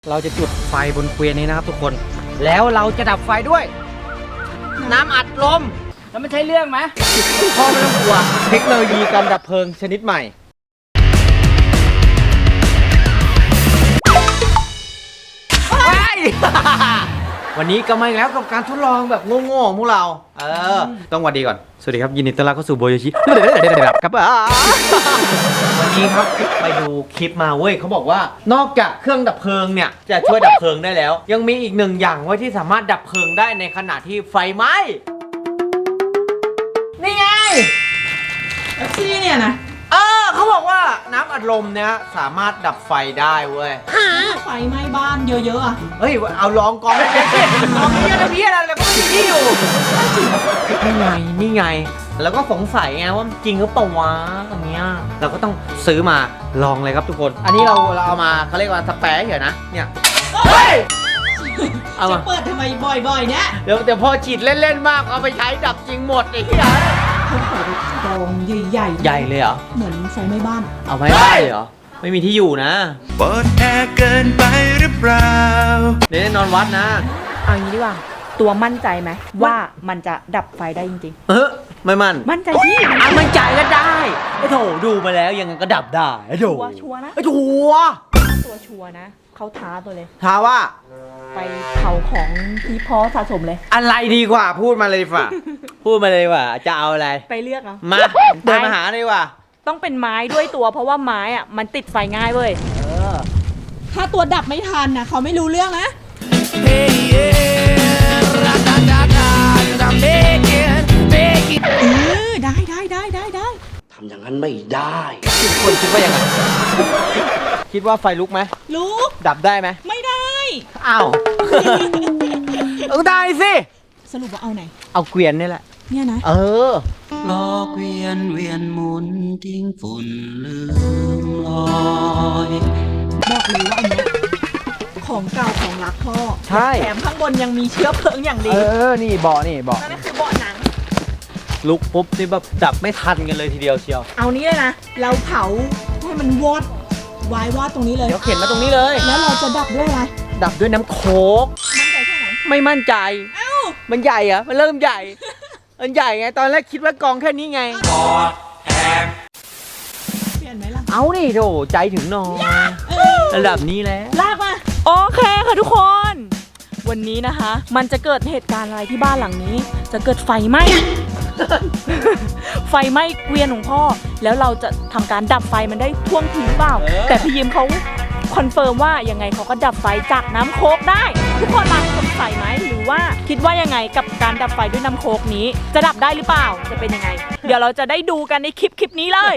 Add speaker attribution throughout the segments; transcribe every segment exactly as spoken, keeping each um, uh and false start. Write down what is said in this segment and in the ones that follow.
Speaker 1: เราจะจุดไฟบนเกวียนนี้นะครับทุกคนแล้วเราจะดับไฟด้วยน้ำอัดลมแล้วมันใช่เรื่องไหมพ่อไม่ต้องกลัวเทคโนโลยีการดับเพลิงชนิดใหม่วันนี้ก็มาอีกแล้วกับการทดลองแบบโง่ๆของพวกเราเออต้องสวัสดีก่อนสวัสดีครับยินดีต้อนรับเข้าสู่โบโยชิครับวันนี้ครับไปดูคลิปมาเว้ยเขาบอกว่านอกจากเครื่องดับเพลิงเนี่ยจะช่วยดับเพลิงได้แล้วยังมีอีกหนึ่งอย่างไว้ที่สามารถดับเพลิงได้ในขณะที่ไฟไหม้นี่ไง
Speaker 2: แท็กซี่เนี่ยนะ
Speaker 1: เออเขาบอกว่าน้ำอัดลมเนี่ยสามารถดับไฟได้เว้ย
Speaker 2: ไฟไหม้บ้านเยอะๆอ่ะ
Speaker 1: เฮ้ยเอาลองกองเลยลองเพี้ยนเพี้ยนอะไรก็ไม่มีที่อยู่นี่ไงนี่ไงแล้วก็สงสัยไงว่าจริงหรือเปล่าวะอันเนี้ยเราก็ต้องซื้อมาลองเลยครับทุกคนอันนี้เราเราเอามาเขาเรียกว่าสเปรย์เหรอนะเนี่ยเฮ้ย
Speaker 2: เอามาจะเปิดทำไมบ่อยๆเนี่ย
Speaker 1: เดี๋ยวเดี๋ยวพอฉีดเล่นๆมากเอาไปใช้ดับจริงหมดไอ้เหี้ย
Speaker 2: เขาเปิดกองใหญ่ๆ
Speaker 1: ใหญ่เลยเหรอ
Speaker 2: เหมือนไฟไหม้บ้าน
Speaker 1: เอาไม่ได้เหรอไม่มีที่อยู่นะ
Speaker 3: เปิดแอร์เกินไปหรือเปล่า
Speaker 1: เดี๋ยวนอนวัดนะ
Speaker 4: เอางี้ดีกว่าตัวมั่นใจไหมว่ามันจะดับไฟได้จริง
Speaker 1: ๆเออไม่มั่น
Speaker 4: มั่นใจที่
Speaker 1: อ่ะมั่นใจก็ได้ไอ้โถดูมาแล้วยังไงก็ดับได้ไอ้โถ
Speaker 4: ชัวร์นะ
Speaker 1: ไอ้ชัวร์
Speaker 4: ตัวชัวร์นะเขาท้าตัวเลย
Speaker 1: ท้าว่า
Speaker 4: ไปเผาของที่พ่อสะสมเลย
Speaker 1: อะไรดีกว่าพูดมาเลยฝ่าพูดมาเลยว่าจะเอาอะไร
Speaker 4: ไปเลือกเอา
Speaker 1: มาเดินมาหาเลยว่า
Speaker 4: ต้องเป็นไม้ด้วยตัวเพราะว่าไม้อ่ะมันติดไฟง่ายเว้ย
Speaker 1: เออ
Speaker 2: ถ้าตัวดับไม่ทันนะเขาไม่รู้เรื่องนะเออได้ได้ได้ได้ได้
Speaker 3: ทำอย่างนั้นไม่ได้
Speaker 1: ทุกคนคิดว่ายังไงคิดว่าไฟลุกไหม
Speaker 2: ลุก
Speaker 1: ดับได้ไหม
Speaker 2: ไม่ได้
Speaker 1: อ้าวต้องได้สิ
Speaker 2: สรุปว่าเอาไหน
Speaker 1: เอาเกวียนนี่แหละ
Speaker 2: เนี่ยนะ
Speaker 1: เออ
Speaker 3: ล้อเกวียนเวียนหมุนทิ้งฝุ่นลืมลอย
Speaker 2: บอกเลยว่าอันเนี้ยของเก่าของรักพ่อ
Speaker 1: ใช่
Speaker 2: แถมข้างบนยังมีเชื้อเพลิงอย่างดี
Speaker 1: เออนี่เบาะนี่เบาะ
Speaker 2: นั่นคือเบาะหนัง
Speaker 1: ลุกปุ๊บนี่แบบดับไม่ทันกันเลยทีเดียวเชียว
Speaker 2: เอานี้เลยนะเราเผาให้มันวอดวายวอดตรงนี้เลย
Speaker 1: เดี๋ยวเข็นมาตรงนี้เลย
Speaker 2: แล้วเราจะดับด้วยอะไร
Speaker 1: ดับด้วยน้ำโค้ก
Speaker 2: มั่นใจแค่ไหน
Speaker 1: ไม่มั่นใจ
Speaker 2: เอ้า
Speaker 1: มันใหญ่เหรอมันเริ่มใหญ่มันใหญ่ไงตอนแรกคิดว่ากองแค่นี้ไงกอดแอบเปลี่ยนไหมล่ะเอาดิโถใจถึงนอนระดับนี้แล้ว
Speaker 2: ลากมา
Speaker 4: โอเคค่ะทุกคนวันนี้นะคะมันจะเกิดเหตุการณ์อะไรที่บ้านหลังนี้จะเกิดไฟไหม้ไฟไหม้เกวียนของพ่อแล้วเราจะทำการดับไฟมันได้ท่วงทีหรือเปล่าแต่พี่ยิมเขาคอนเฟิร์มว่ายังไงเขาก็ดับไฟจากน้ำโค้กได้ทุกคนมาสงสัยไหมหรือว่าคิดว่ายังไงกับการดับไฟด้วยน้ำโค้กนี้จะดับได้หรือเปล่าจะเป็นยังไงเดี๋ยวเราจะได้ดูกันในคลิปคลิปนี้เลย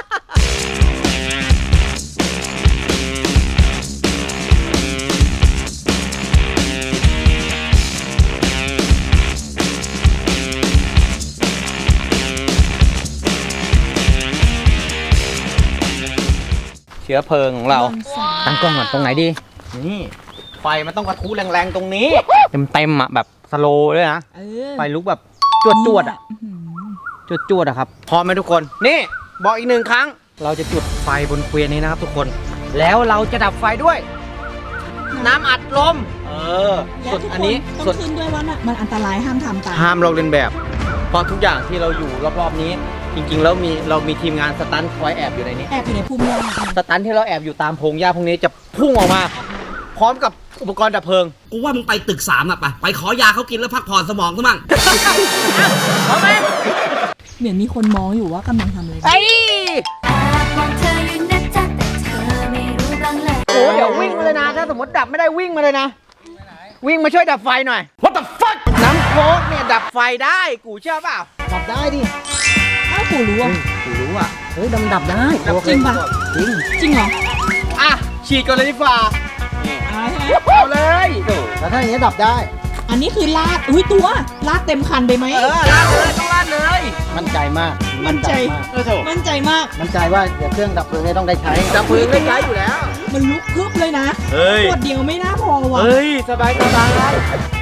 Speaker 1: เชื้อเพลิงของเราตั้งกล้องก่อนตรงไหนดีนี่ไฟมันต้องกระทุแรงๆตรงนี้เต็มๆอ่ะแบบสโลว์เลยนะไฟลุกแบบจวดจวดอ่ะจวดจวดอ่ะครับพร้อมไหมทุกคนนี่บอกอีกหนึ่งครั้งเราจะจุดไฟบนเกวียนนี้นะครับทุกคนแล้วเราจะดับไฟด้วยน้ำอัดลมเออส่วนอันนี้
Speaker 2: ต้องขึ้นด้วยว่ามันอันตรายห้ามทำตาม
Speaker 1: ห้ามลอกเลียนแบบเพราะทุกอย่างที่เราอยู่รอบๆนี้จริงๆแล้วมีเรามีทีมงานสตันท์คอยแอบอยู่ในนี้
Speaker 2: แอบอยู่ในพุ่มหญ้า
Speaker 1: สตันท์ที่เราแอบอยู่ตามพงหญ้าพวกนี้จะพุ่งออกมาพร้อมกับอุปกรณ์ดับเพลิง
Speaker 3: กูว่ามึงไปตึกสามอ่ะไปไปขอยาเขากินแล้วพักผ่อนสมองซะมั่ง
Speaker 1: พร้อมไหม
Speaker 2: เหมือนมีคนมองอยู่ว่ากำลังทำอะไร
Speaker 1: ไอ้โอ้เดี๋ยววิ่งมาเลยนะถ้าสมมติดับไม่ได้วิ่งมาเลยนะวิ่งมาช่วยดับไฟหน่อย What the fuck น้ำโค้กเนี่ยดับไฟได้กูเชื่อเปล่าดับได้ดิ
Speaker 2: อ้าวกูรู้อ่ะ
Speaker 1: กูรู้อ่ะเฮ้ยดำดับได้
Speaker 2: จริงปะ
Speaker 1: จริง
Speaker 2: จริงเหรอ
Speaker 1: อ่ะฉีดก่อนเลยดีกว่านี่เอาเลยแล้วถ้าอย่างนี้ดับได้
Speaker 2: อันนี้คือลาดอุ้ยตัวลาดเต็มคันไปไหม
Speaker 1: เออลาดเลยต้องลาดเลยมั่นใจมาก
Speaker 2: มั่นใจมั่นใจมาก
Speaker 1: มั่นใจว่าเดี๋ยวเครื่องดับเพลิงต้องได้ใช้ดับเพลิงได้ใช้อยู่แล้ว
Speaker 2: มันลุกพึบเลยนะขวดเดียวไม่น่าพอว่ะ
Speaker 1: เฮ้ยสบายสบาย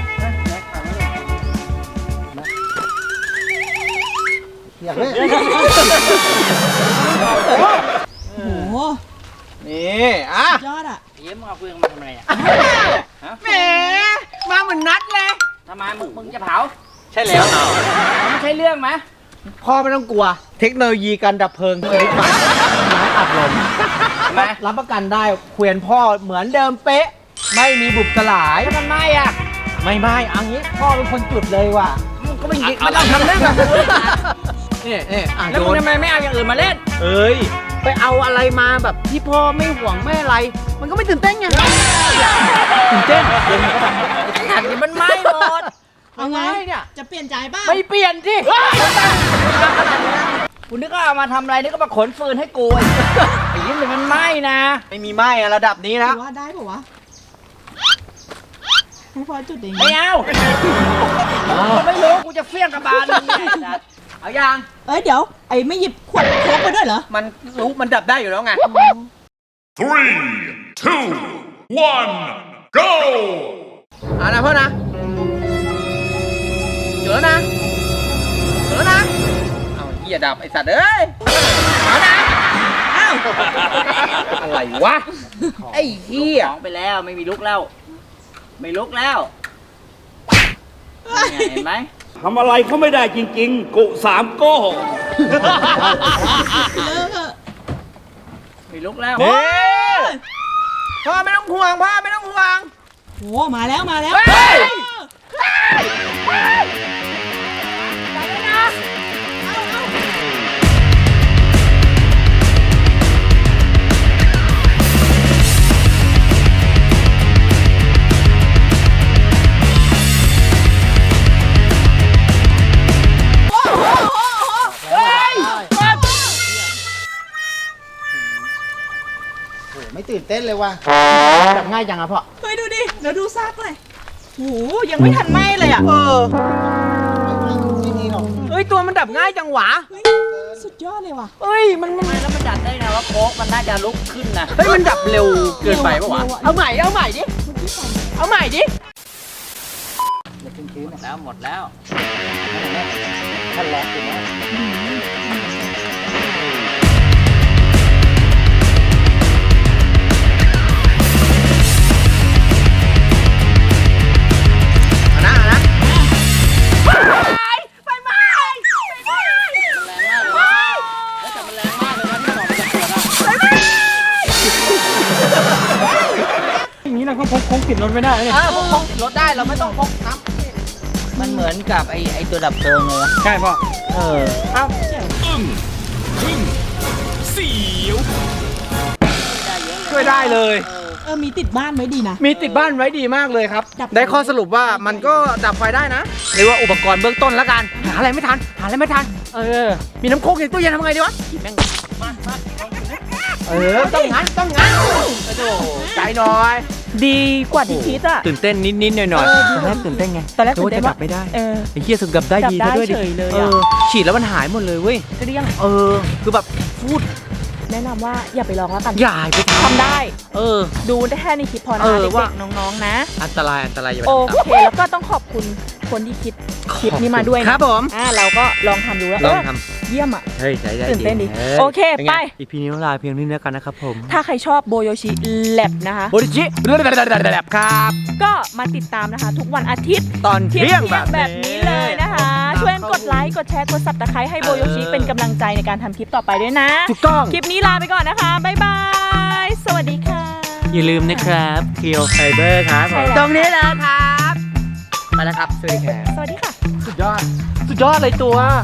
Speaker 1: อยากเล่นโอ้
Speaker 2: โห
Speaker 1: นี่อ่ะ
Speaker 2: ยอดอ่ะ
Speaker 5: เยี่ยมเอาเฟืองมาทำอะไรอ่ะ
Speaker 1: แหมมาเหมือนนัดเลย
Speaker 5: ทำไมมึงมึงจะเผา
Speaker 1: ใช่แล้ว
Speaker 5: ไม่ใช่เรื่องไหม
Speaker 1: พ่อไม่ต้องกลัว เทคโนโลยีการดับเพลิงชนิดใหม่น้ำอัดลม
Speaker 5: ทำไม
Speaker 1: รับประกันได้เขวียนพ่อเหมือนเดิมเป๊ะ ไม่มีบุบสลาย
Speaker 5: ถ้ามันไหม้อ่ะ
Speaker 1: ไม่ไม่เอันนี้พ่อเป็นคนจุดเลยว่ะ
Speaker 5: มึงก็ไม่ยิงไม่ต้องทำเรื่องแบบนี้
Speaker 1: นี่นี่อ่ะ
Speaker 5: แล้ว
Speaker 1: โย
Speaker 5: มึง
Speaker 1: น
Speaker 5: ทำไมไม่เอาอย่างอื่นมาเล่น
Speaker 1: เอ้ย ไปเอาอะไรมาแบบที่พ่อไม่ห่วงไม่อะไร มันก็ไม่ตื่นเต้นไงตื่นเต้นเดี๋ยวมันก็แบบ
Speaker 5: อันนี้มันไหม้หมด
Speaker 2: เอาไง
Speaker 1: ไม่เนี่ย
Speaker 2: จะเปลี่ยนใจบ้าง
Speaker 5: ไม่เปลี่ยนสิคุณนึกว่าเอามาทำอะไรนึกว่ามาขนฟืนให้กูไอ้ไอ้ยิ้มเลยมันไหม้นะ
Speaker 1: ไม่มีไหม้อะระดับนี้แล้ว
Speaker 2: ว่าได้ป่าวะให้พ่อจุดเอง
Speaker 5: ไม่เอากูไม่รู้กูจะเฟี้ยงกระบาลมึงเนี่ยเอายัง
Speaker 2: เอ้ยเดี๋ยวไอ้ไม่หยิบขวดโค้กไปด้วยเหรอ
Speaker 1: มันรู้มันดับได้อยู่แล้วไง
Speaker 6: Three, two, one, go!
Speaker 1: เอานะพ่อนะเจอนะเจอนะ เอาเหี้ยดับไอสัตว์เอ้ยเอานะอ้าวอะไรวะ ไอ้เหี้ย
Speaker 5: ของไปแล้วไม่มีลุกแล้ว ไม่ลุกแล้วนี่ไงเห็นไหม
Speaker 7: ทำอะไรเขาไม่ได้จริงๆ กุสามโก้
Speaker 2: เลิกเถอะ
Speaker 5: ไม่ลุกแล้ว
Speaker 1: เฮ้ยพ่อไม่ต้องห่วงพ่อไม่ต้องห่วง
Speaker 2: โอ้มาแล้วมาแล้ว
Speaker 1: เฮ้ย ไม่ตื่นเต้นเลยว่ะจับง่ายจังอะพ่อ
Speaker 2: เฮ้ยดูดิเดี๋ยวดูซากเลยโอ้โหยังไม่ทันไหม้เลยอ่ะ
Speaker 1: เออเฮ้ย ตัวมันดับง่ายจังหวะ
Speaker 2: เฮ้ยสุดยอดเลยว่ะ
Speaker 1: เฮ้ย มันมัน
Speaker 5: ทำไมแล้วมันจัดได้นะว่าโค้กมันน่าจะลุกขึ้นนะ
Speaker 1: เฮ้ย มันดับเร็วเกินไปปะวะ
Speaker 2: เร็วอะ
Speaker 1: เอาใหม่ เอาใหม่ดิ เอาใหม่ดิ
Speaker 5: หมดแล้วหมดแล้ว
Speaker 1: ท่านแรกถึงว่าเอานะเอานะ
Speaker 5: แล้วแต่มันแรงมากเลยนะที่บอกมันจะเกิดอ่ะ
Speaker 1: อย่างนี้เราก็พกพกติดรถไม่ได้เลยเออพกพกติดรถได้เราไม่ต้องพกน้ำ
Speaker 5: มันเหมือนกับไอ้ไอ้ตัวดับเพลิงเลย
Speaker 1: ใช่พ่อ
Speaker 5: เออ
Speaker 1: เอ้า ช่วยได้เลย
Speaker 2: เออมีติดบ้านไว้ดีนะ
Speaker 1: มีติดบ้านไว้ดีมากเลยครับ
Speaker 2: ดับไฟ
Speaker 1: ได้ข้อสรุปว่ามันก็ดับไฟได้นะเรียกว่าอุปกรณ์เบื้องต้นแล้วกัน หาอะไรไม่ทัน หาอะไรไม่ทัน เออ มีน้ำโค้กในตู้เย็นทำไงดีวะแม่งเออ ต้องงั้น ต้องงั้นโอ้โหใจหน่อย
Speaker 4: ดีกว่าที่คิดอ่ะ
Speaker 1: ตื่นเต้นนิดๆหน่อยๆตอนแรกตื่นเต้นไง
Speaker 4: ตอนแรกตื่นเต้น
Speaker 1: ว่าจะ
Speaker 4: ว่า
Speaker 1: ดับไม่ได้
Speaker 4: เออ
Speaker 1: ไอ้เหี้ยสึกดับได้ดี
Speaker 4: ดับได้
Speaker 1: ซะด้วยดิ
Speaker 4: เฉยเลย
Speaker 1: เอ
Speaker 4: อะ
Speaker 1: อ ฉีดแล้วมันหายหมดเลยเว้ย
Speaker 4: เรียง
Speaker 1: เออ คือแบบพูด
Speaker 4: แนะนำว่าอย่าไปลองแล้วกัน
Speaker 1: อย่าไปท
Speaker 4: ทำได้
Speaker 1: ำเออ
Speaker 4: ดูได้แค่ในคลิปพอนะ
Speaker 1: เอ
Speaker 4: คะ
Speaker 1: อ
Speaker 4: เด็
Speaker 1: ว่า
Speaker 4: กๆน้องๆนะ
Speaker 1: อันตราย อันตรายอย่าไป
Speaker 4: โอ
Speaker 1: ทำตาม
Speaker 4: เค แล้วก็ต้องขอบคุณคนที่คิดคลิปนี้มาด้วยนะครับ
Speaker 1: ผม
Speaker 4: อ่าเราก็ลองทำดูแล้ว
Speaker 1: ลอง
Speaker 4: เออ
Speaker 1: ท
Speaker 4: เยี่ยมอ่ะ
Speaker 1: ำเฮ้ยใจได้
Speaker 4: ตื่นเต้นดิ
Speaker 1: ฮ้ย
Speaker 4: โอเค
Speaker 1: ป็นง
Speaker 4: ไป
Speaker 1: อีพีนี้ลาเพียงนี้แล้วกันนะครับผม
Speaker 4: ถ้าใครชอบโบโยชิแลบนะคะ
Speaker 1: โบริจิแบบครับ
Speaker 4: ก็มาติดตามนะคะ ทุกวันอาทิตย์
Speaker 1: ตอน
Speaker 4: เที่
Speaker 1: เที่ย
Speaker 4: ย
Speaker 1: ง
Speaker 4: ง
Speaker 1: แบบ
Speaker 4: แบบนี้เลยนะคะ ช่วยกดไลค์กดแชร์กดซับสไครต์ให้โบโยชิเป็นกำลังใจในการทำคลิปต่อไปด้วยนะ
Speaker 1: ถูกต้อง
Speaker 4: คลิปนี้ลาไปก่อนนะคะ บ๊ายบาย สวัสดีค่ะ
Speaker 1: อย่าลืมนะครับเคียวไฟเบอร์ครับ
Speaker 4: ใช่แล้ว
Speaker 1: ตรงนี้เลยครับ ไปแล้วครับ สวัสดีครับ
Speaker 4: สวัสดีค่ะ
Speaker 1: สุดยอด สุดยอดเลยตัว